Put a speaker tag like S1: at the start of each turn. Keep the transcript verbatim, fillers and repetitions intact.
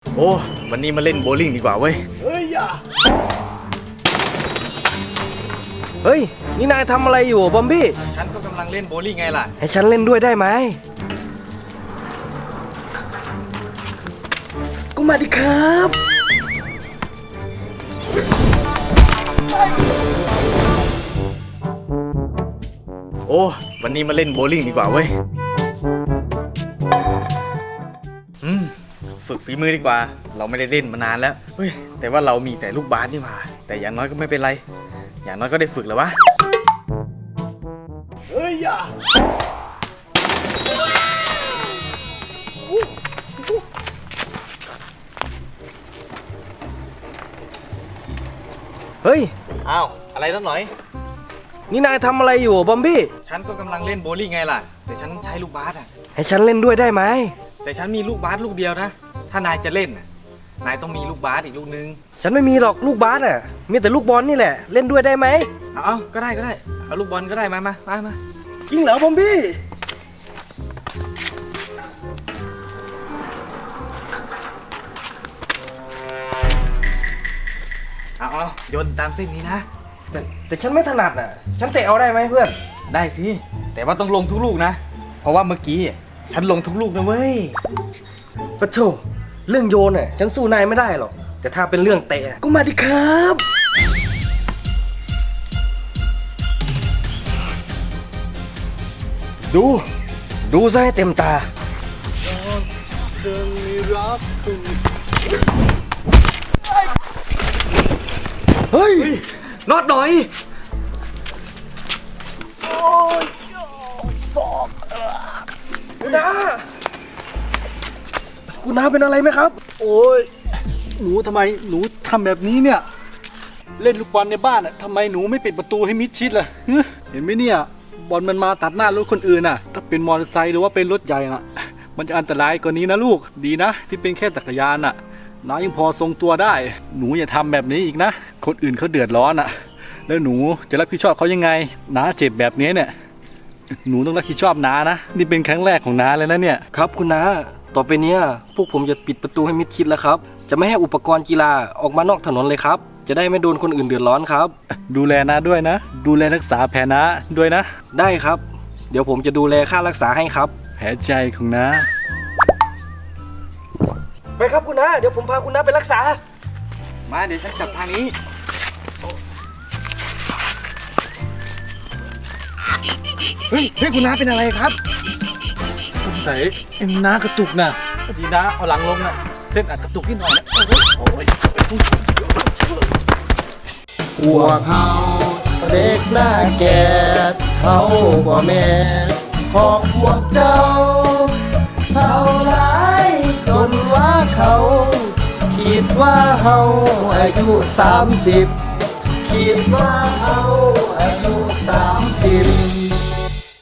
S1: โอ้วันนี้มาเล่นโบว์ลิ่งดีกว่าเว้ย
S2: เฮ้ยอย่าเฮ้ยนี่นายทำอะไรอยู่บอมบี้
S1: ฉันก็กำลังเล่นโบว์ลิ่งไงล่ะ
S2: ให้ฉันเล่นด้วยได้ไหมก็มาดิครับ
S1: โอ้วันนี้มาเล่นโบว์ลิ่งดีกว่าเว้ยอืมฝึกฝีมือดีกว่าเราไม่ได้เล่นมานานแล้วเฮ้ยแต่ว่าเรามีแต่ลูกบาสนี่หว่าแต่อย่างน้อยก็ไม่เป็นไรอย่างน้อยก็ได้ฝึกแล้ววะ
S2: เฮ้ยอย่าเฮ้ย
S1: อ้าวอะไรตั้งหน่อย
S2: นี่นายทำอะไรอยู่บอมบี้
S1: ฉันก็กำลังเล่นโบว์ลิ่งไงล่ะแต่ฉันใช้ลูกบาสอ่ะ
S2: ให้ฉันเล่นด้วยได้ไหม
S1: แต่ฉันมีลูกบาสลูกเดียวนะถ้านายจะเล่นน่ะนายต้องมีลูกบาสอีกลูกนึง
S2: ฉันไม่มีหรอกลูกบาสอ่ะมีแต่ลูกบอลนี่แหละเล่นด้วยได้ไหม
S1: เอาก็ได้ก็ได้เอาลูกบอลก็ได้มามามามา
S2: จริงเหรอบอมบี้
S1: เอาเอาโยนตามเส้นนี้นะ
S2: แต่แต่ฉันไม่ถนัดอ่ะฉันเตะเอาได้ไหมเพื่อน
S1: ได้สิแต่ว่าต้องลงทุกลูกนะเพราะว่าเมื่อกี้ฉันลงทุกลูกนะเว้ย
S2: ปะโถเรื่องโยนน่ะฉันสู้นายไม่ได้หรอกแต่ถ้าเป็นเรื่องเตะก็มาดิครับดูดูซะให้เต็มตาเฮ้ย
S1: น็อตหน่อย
S2: โอ้ยสอบคุณน้าคุณน้าเป็นอะไรไหมครับ
S3: โอ้ยหนูทำไมหนูทำแบบนี้เนี่ยเล่นลูกบอลในบ้านอ่ะทำไมหนูไม่ปิดประตูให้มิดชิดล่ะเห็นไหมเนี่ยบอลมันมาตัดหน้ารถคนอื่นน่ะถ้าเป็นมอเตอร์ไซค์หรือว่าเป็นรถใหญ่น่ะมันจะอันตรายกว่านี้นะลูกดีนะที่เป็นแค่จักรยานน่ะน้ายังพอทรงตัวได้หนูอย่าทำแบบนี้อีกนะคนอื่นเขาเดือดร้อนอ่ะแล้วหนูจะรับผิดชอบเขายังไงน้าเจ็บแบบนี้เนี่ยหนูต้องรับผิดชอบน้านะนี่เป็นครั้งแรกของน้าเลยนะเนี่ย
S2: ครับคุณน้าต่อไปเนี้ยพวกผมจะปิดประตูให้มิดชิดแล้วครับจะไม่ให้อุปกรณ์กีฬาออกมานอกถนนเลยครับจะได้ไม่โดนคนอื่นเดือดร้อนครับ
S3: ดูแลน้าด้วยนะดูแลรักษาแผลน้าด้วยนะ
S2: ได้ครับเดี๋ยวผมจะดูแลค่ารักษาให้ครับ
S3: แผลใจของน้า
S2: ไปครับคุณน้าเดี๋ยวผมพาคุณน้าไปรักษา
S1: มาเดี๋ยวฉันจับทางนี้เฮ้ยเฮ้ยคุณน้าเป็นอะไรครับ
S3: สงสัยเอ็นน้ากระตุกนะพอดีน้าเอาหลังลงนะเส้นอาจกระตุกนิดหน่อยนะโอ้ย
S4: พวกเขาเด็กหน้าแก่เท่ากว่าแม่ของพวกเจ้าเท่าไรจนว่าเขาคิดว่าเฮาอายุสามสิบคิดว่าเฮาอายุสาม